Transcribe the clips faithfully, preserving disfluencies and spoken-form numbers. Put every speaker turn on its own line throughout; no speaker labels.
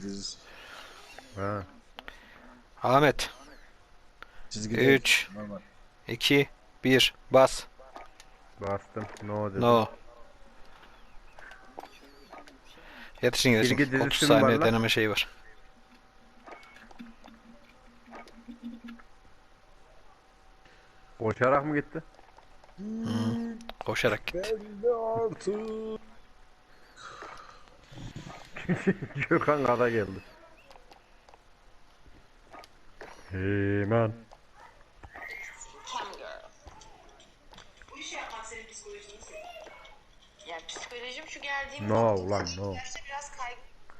diz.
Ha.
Ahmet.
Çizgi
üç,
normal.
iki, bir. Bas.
Bastım. No dedim.
No. Yetişin
Çizgi
yetişin.
dizisi
otuz
mi var
saniye
lan?
deneme şeyi var.
Koşarak mı gitti?
Koşarak gitti.
Ben de artık.
Gökhan kada geldi. Hemen.
Bu işi yapmak senin psikolojini seviyor. Yani psikolojim şu geldiğim
No
noktada
ulan no.
yaşta biraz kaygı.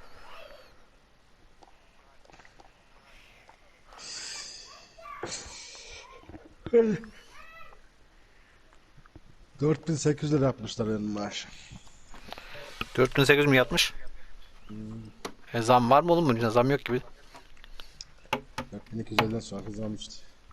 dört bin sekiz yüz lira yapmışlar benim maaş.
dört bin sekiz yüz mi yatmış? E zam var mı oğlum bunun? Zam yok gibi.
dört bin iki yüz elli'den sonra kazanmıştı.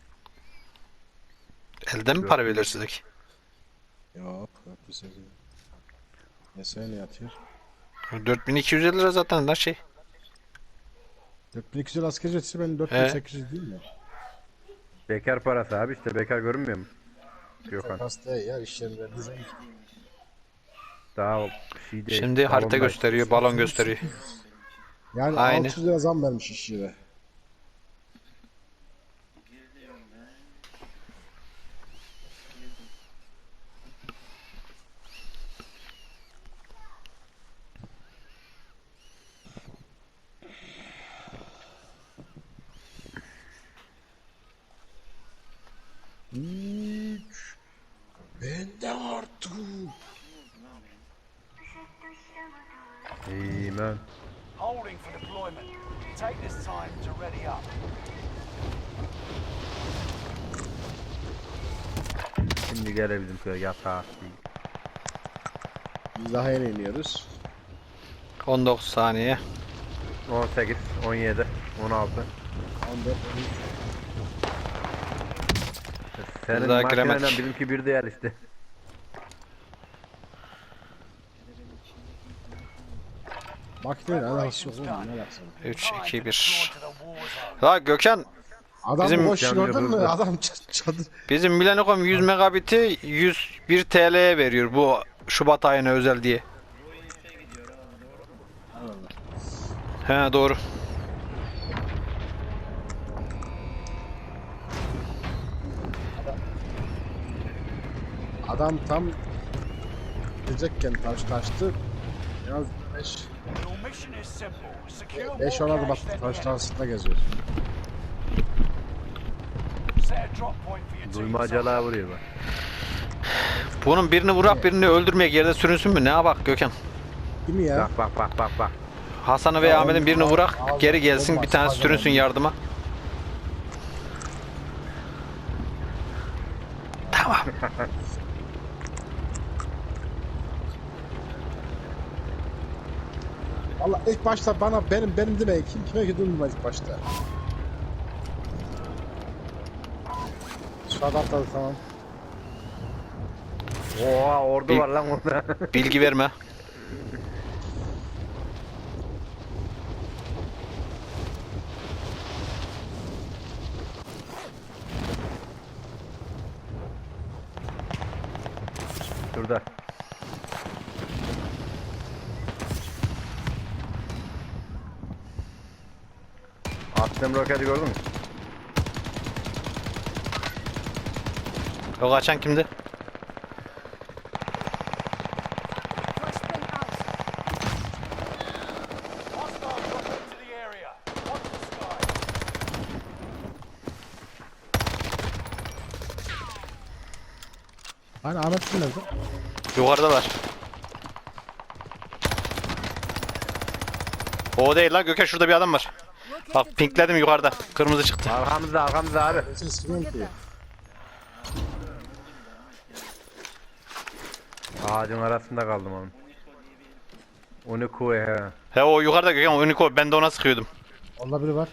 Elden mi para veriyor size ki?
Yok dört bin sekiz yüz. Ne söyle yatıyor?
dört bin iki yüz elli lira zaten lan şey.
dört bin iki yüz lira asgari ücretisi benim dört bin
He.
sekiz yüz değil mi?
Bekar parası abi işte bekar görünmüyor mu? Gökhan.
Hasta ya iş yerinde düzen.
Daha şey değil.
Şimdi harita
balonda.
gösteriyor, balon gösteriyor.
Yani
Aynı.
altı yüz lira zam vermiş iş yere. Üç. Ben de artık.
Hemen.
Holding for deployment. Take this time to ready up.
Şimdi gelebildim köye yatağa.
Biz daha yeni iniyoruz.
on dokuz saniye.
on sekiz, on yedi, on altı.
on dört, on üç.
Senin
Daha
makineyle
giremedik.
bizimki bir değil işte.
Makineyle alakası yok oğlum, ne alakası var?
üç, iki,
Time to
bir.
deploy to the war zone.
La Gökhan,
Adam
Bizim-
boş
Canlı
gördün mü?
hızlı.
Adam ç- çadır.
bizim Millennium yüz megabiti yüz bir T L'ye veriyor bu Şubat ayına özel diye. He doğru.
Adam tam gidecekken taş taştı. Biraz beş
Your mission is simple. Secure
beş
more
on adım
cash
attı
than
taş
the enemy.
arasında geziyor.
Set a drop point for your team.
Duymacalığa vuruyor bak.
Bunun birini vurak birini öldürmeyek yerde sürünsün mü? Ne bak Gökhan?
Değil mi ya?
Bak bak bak bak bak.
Hasan'ı ve
Ya
Ahmet'in
onu-
birini
al-
vurak
al-
geri gelsin
olmaz,
bir tane
al-
sürünsün
olmaz.
yardıma. Tamam.
Valla ilk başta bana benim benim deme kim kime gidildi ilk başta. Şu adam atladı tamam.
Oha ordu
Bir-
var lan orada.
Bilgi verme.
Şurada. Attığım roketi gördün mü?
O kaçan kimdi?
Hostile drop into the area. Watch the sky.
Hani Ahmet'in nerede?
Yukarıdalar. O değil lan Gökhan, şurada bir adam var. Bak pinkledim yukarıda. Kırmızı çıktı.
Arkamızda arkamızda abi.
Ben seni sıkıyorum ki.
Ağacın arasında kaldım onun. Onu koy he.
He o yukarıda Gökhan, Unico, ben de ona sıkıyordum.
Orada biri var.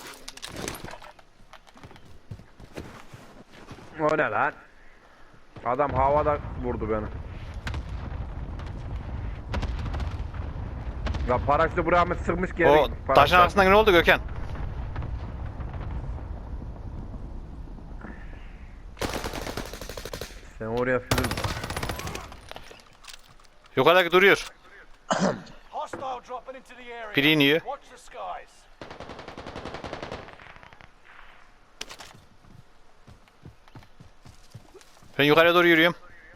O ne lan? Adam havada vurdu beni. Ya paraşütü buraya mı sıkmış geri?
O taşın arkasından ne oldu Gökhan?
Sen oraya sürün.
Yukarıdaki duruyor.
Hostile dropping into the area.
Biri iniyor.
Watch the skies.
Ben yukarıya doğru yürüyorum.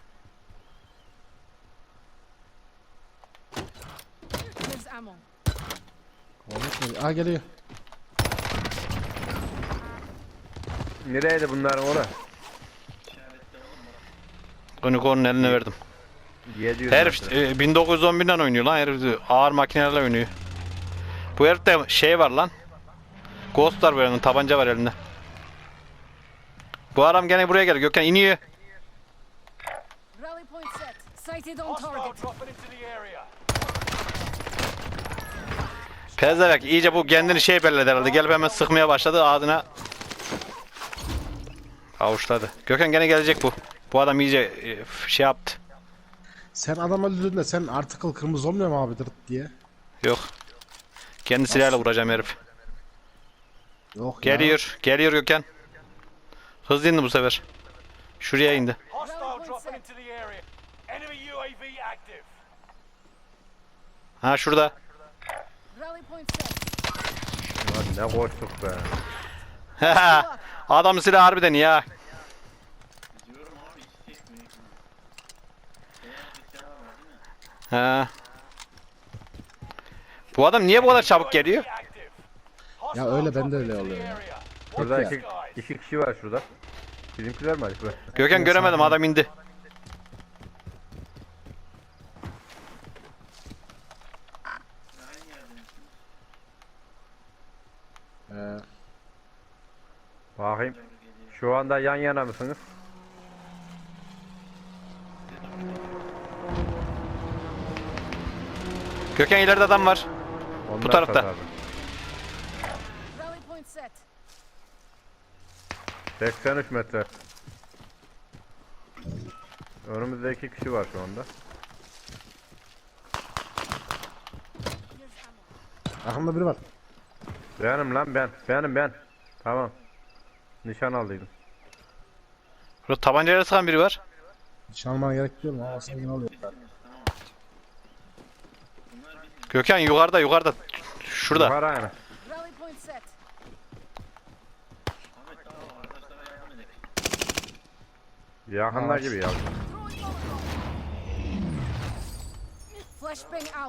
Here's ammo.
Ahmet mi? Aa geliyor.
Nereydi bunların oraya?
Unicorn'un eline verdim.
yedi yüz
Herif
metre.
e, bin dokuz yüz on birden oynuyor lan, herif ağır makinelerle oynuyor. Bu herifte şey var lan. Ghost var böyle, tabanca var elinde. Bu adam gene buraya gel, Gökhan iniyor.
Rally point set. Sighted on
Hostile
target.
dropping into the area.
Pezevek iyice bu kendini şey belledi herhalde. Gelip hemen sıkmaya başladı ağzına. Avuçladı. Gökhan gene gelecek bu. Bu adam iyice e, şey yaptı.
Sen adam öldürdün de sen article kırmızı olmuyor mu abi dırt diye?
Yok. Kendi silahıyla vuracağım herif.
Yok ya.
Geliyor. Geliyor Gökhan. Hızlı indi bu sefer. Şuraya indi.
Hostile dropping into the area. Enemy U A V active.
Ha şurada.
Rally point set.
Lan ne koştuk be.
Adamın silahı harbiden ya. Ha. Bu adam niye bu kadar çabuk geliyor?
Active.
Ya öyle bende öyle oluyor ya.
Şurada
ya.
iki, iki kişi var şurada. Bizimkiler mi acaba?
Gökhan göremedim, adam indi.
Ee,
Bakayım. Şu anda yan yana mısınız?
Gökhan ileride adam var.
Onlar
tarafta.
sat abi.
Rally point set.
seksen üç metre. Önümüzde iki kişi var şu anda.
Here's ammo.
Arkamda biri var.
Benim lan ben. Benim ben. Tamam. Nişan aldıydım.
Burada tabancayla sıkan biri var.
Hiç almana gerek yok mu? Ama sen yine oluyor.
Gökhan yukarıda yukarıda. Şurada.
Yukarı aynen.
Rally point set.
Yakınlar gibi ya.
Throwing Molotov. Flashbang out.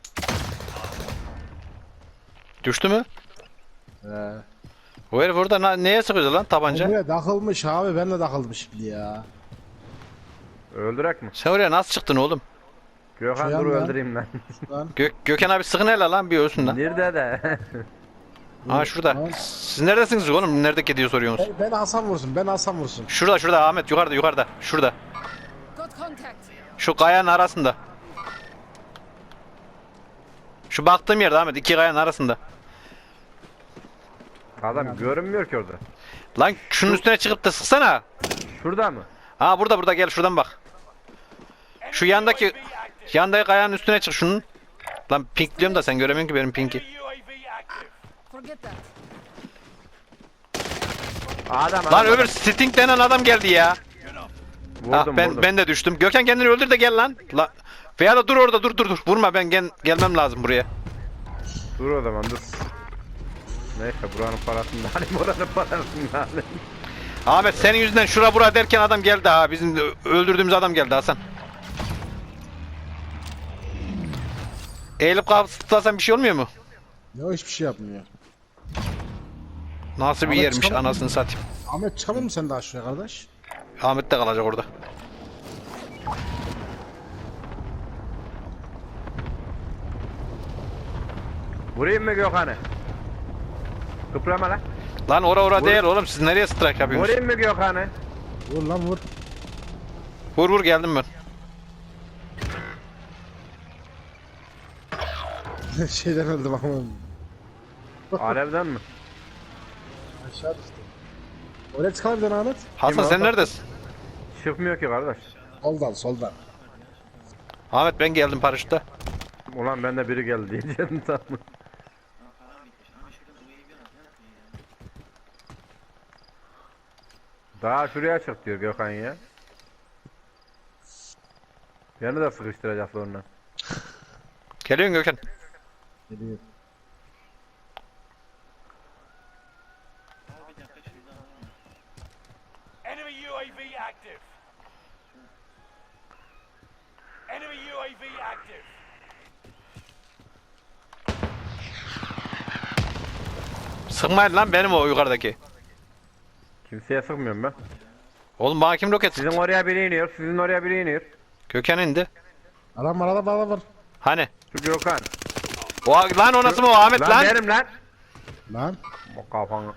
Düştü mü?
Ee,
O herif orada na- neye sıkıyordu lan tabanca?
buraya takılmış abi, ben de takıldım şimdi ya.
Öldürek mi?
Sen oraya nasıl çıktın oğlum?
Gökhan
Şu
dur
yanda.
öldüreyim lan.
Lan.
Gök Gökhan abi sıkın hele lan, bir ölsün lan.
Nerede de?
Ha şurada.
Tamam.
Siz neredesiniz oğlum? Nerede diye soruyorsunuz.
Ben, ben Hasan vursun, ben Hasan vursun.
Şurada şurada Ahmet, yukarıda yukarıda. Şurada.
Got contact.
Şu kayanın arasında. Şu baktığım yerde Ahmet, iki kayanın arasında.
Adam görünmüyor ki orada.
Lan şunun üstüne çıkıp da sıksana.
Şurada mı?
Ha burada burada, gel şuradan bak. Şu yandaki yandaki kayanın üstüne çık şunun. Lan pink diyorum da sen göremiyorsun ki benim pinki.
Enemy U A V active.
Forget that.
Adam
Lan
adam.
öbür Sting denen adam geldi ya.
Vurdum,
Ah ben
vurdum.
ben de düştüm. Gökhan kendini öldür de gel lan. La veya da dur orada, dur dur dur. Vurma, ben gel gelmem lazım buraya.
Dur o zaman dur. Neyse buranın parasını da alayım, oranın parasını da alayım.
Ahmet senin yüzünden şura bura derken adam geldi ha. Bizim öldürdüğümüz adam geldi Hasan. Eğilip kalkıp sıtlasan bir şey olmuyor mu?
Ya hiçbir şey yapmıyor.
Nasıl bir
Ahmet
yermiş
çıkamaz
anasını satayım.
Ahmet çıkamıyor musun sen daha şuraya kardeş?
Ahmet de kalacak orada.
Vurayım mı Gökhan'ı? Kıprama lan.
Lan ora ora
Vur.
değil oğlum, siz nereye strike yapıyorsunuz?
Vurayım mı Gökhan'ı?
Vur lan vur.
Vur vur, geldim ben.
Şeyden öldüm ama.
Alevden mi?
Aşağı düştüm. Oraya çıkalım bir tane Ahmet.
Hasan
Kim o?
sen neredesin?
çıkmıyor ki kardeş.
Soldan soldan.
Ahmet ben geldim paraşütle.
Ulan ben de biri geldi diyeceğim tamam. Daha şuraya çık diyor Gökhan ya. Beni de sıkıştıracak sonra.
Geliyorsun Gökhan.
Geliyor.
Enemy U A V active. Enemy U A V active.
Sıkmayın lan benim o yukarıdaki.
Kimseye sıkmıyorum ben.
Oğlum bana kim roket
Sizin
sıktı?
oraya biri iniyor, sizin oraya biri iniyor.
Gökhan indi.
Adam var adam var adam var.
Hani?
Şu Gökhan.
O, lan o nasıl mı o Ahmet
Lan,
lan?
benim lan.
Lan.
O kafanı.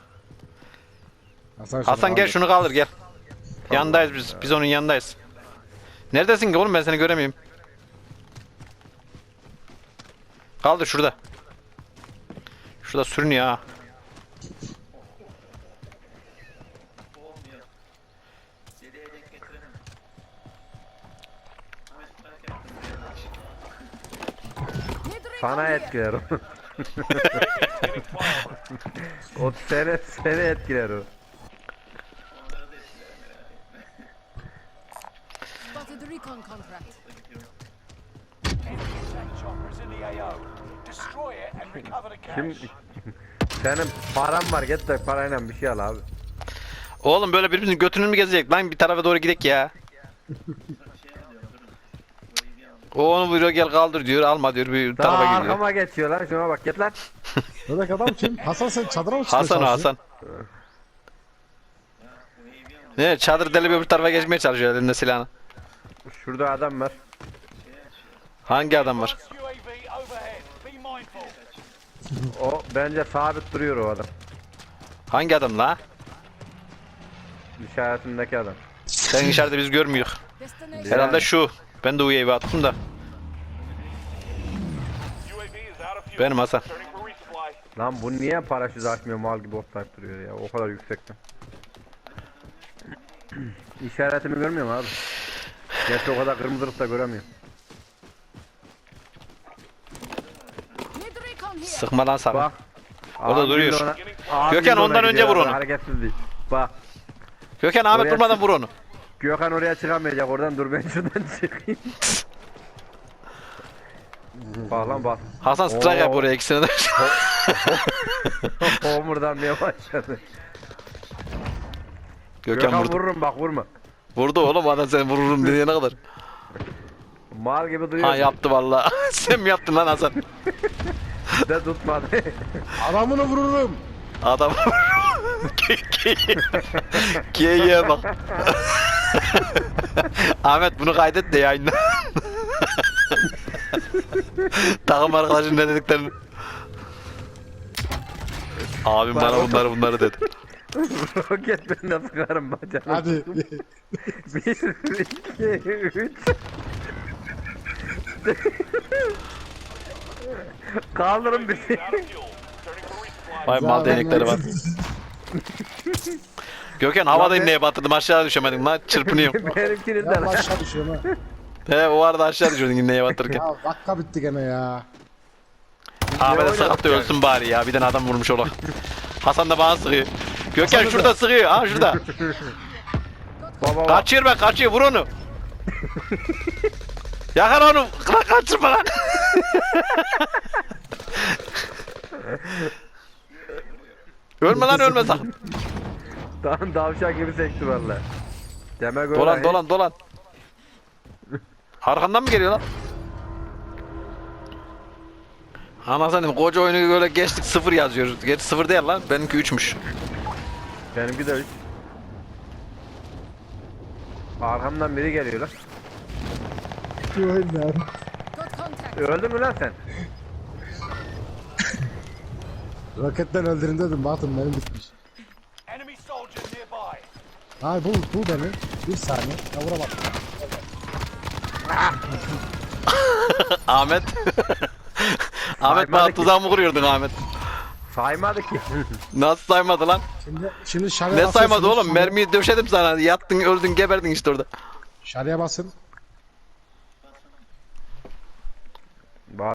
Hasan,
Hasan gel şunu kaldır gel. Yandayız biz. Biz onun yanındayız. Neredesin ki oğlum ben seni göremiyorum. Kaldır şurada. Şurada sürünüyor ha.
Need recon
Sana
here.
etkiler o. O seni, seni etkiler o.
Spotted the recon contract.
Enemy attack chopper is in the A O. Destroy it and recover the
Kim?
cash.
Senin param var git de parayla bir şey al abi.
Oğlum böyle birbirimizin götünü mü gezecek lan bir tarafa doğru gidek ya. O onu buyuruyor gel kaldır diyor alma diyor bir
Daha
tarafa gidiyor.
arkama geçiyor lan şuna bak git lan.
Buradaki adam kim? Hasan sen çadıra mı çıkıyorsun?
Hasan o, Hasan. Ne çadır delip öbür tarafa geçmeye çalışıyor elinde silahını.
Şurada adam var.
Hangi adam var?
U A V overhead. Be mindful.
O bence sabit duruyor o adam.
Hangi adam la?
İşaretindeki adam.
Sen işareti biz görmüyoruz.
Destination.
Herhalde şu. Ben de U A V attım da.
U A V is out of fuel.
Benim Hasan.
Turning for resupply.
Lan bu niye paraşüt açmıyor mal gibi otlayıp duruyor ya o kadar yüksekte. İşaretimi görmüyor mu abi? Gerçi o kadar kırmızılık da göremiyorum.
Need recon here.
Sıkma lan sakın.
Bak.
Orada
Abim
duruyor.
de ona- abim
Gökhan,
de ona
ondan önce
gidiyor
vur
abi,
onu.
Hareketsiz değil. Bak.
Gökhan Ahmet
Oraya-
durmadan vur onu.
Gökhan oraya çıkamayacak oradan dur ben şuradan çıkayım. Bak lan bak.
Hasan strike yap
Oo.
oraya ikisine de.
Homurdanmaya başladı.
Gökhan
Gökhan
vurdu.
vururum bak vurma.
Vurdu oğlum adam sen vururum dediğine kadar.
Mal gibi duyuyor.
Ha yaptı vallahi. Sen mi yaptın lan Hasan?
De tutmadı.
Adamını vururum.
Adam Geyiğe bak. Ahmet bunu kaydet de yayınla. Takım arkadaşın ne dediklerini. Abim bana bunları bunları dedi.
Roket ben de sıkarım bacağını.
Hadi.
Bir, iki, üç. Kaldırın bizi.
Out of fuel. Turning for resupply.
Vay mal değnekleri var. Gökhan havada
Lan be-
inleye batırdım aşağı düşemedim lan çırpınıyorum.
Benimkinin de
Ya
lan.
aşağı düşüyorum ha.
He o arada aşağı düşüyordun inleye batırırken.
Ya dakika bitti gene ya.
Ahmet'e
oynadık
sakat da
yani?
ölsün bari ya bir tane adam vurmuş ola. Hasan da bana sıkıyor. Gökhan
Hasan da-
şurada sıkıyor ha şurada.
Baba bak.
Kaçıyor bak kaçıyor vur onu. Yakar onu. Lan kaçırma lan. Ölme lan ölme sakın.
Tam davşan gibi sekti valla. Demek öyle.
Dolan dolan dolan. Arkandan mı geliyor lan? Anasını koca oyunu böyle geçtik sıfır yazıyor. Geç sıfır değil lan. Benimki üçmüş.
Benimki de üç. Arkamdan biri geliyor lan.
Şu oyunlar.
Got contact.
Öldün mü lan sen?
Roketten öldürün dedim baktım benim bitmiş.
Enemy soldiers nearby.
Ay bul bul beni. Bir saniye. Ya vuramadım.
Ahmet. Ahmet bana
Saymadı ki.
tuzağı mı kuruyordun Ahmet?
Saymadı ki.
Nasıl saymadı lan?
Şimdi, şimdi şarya
Ne
basın,
saymadı
şimdi
oğlum?
şarya-
Mermiyi döşedim sana. Yattın öldün geberdin işte orada.
Şarya basın.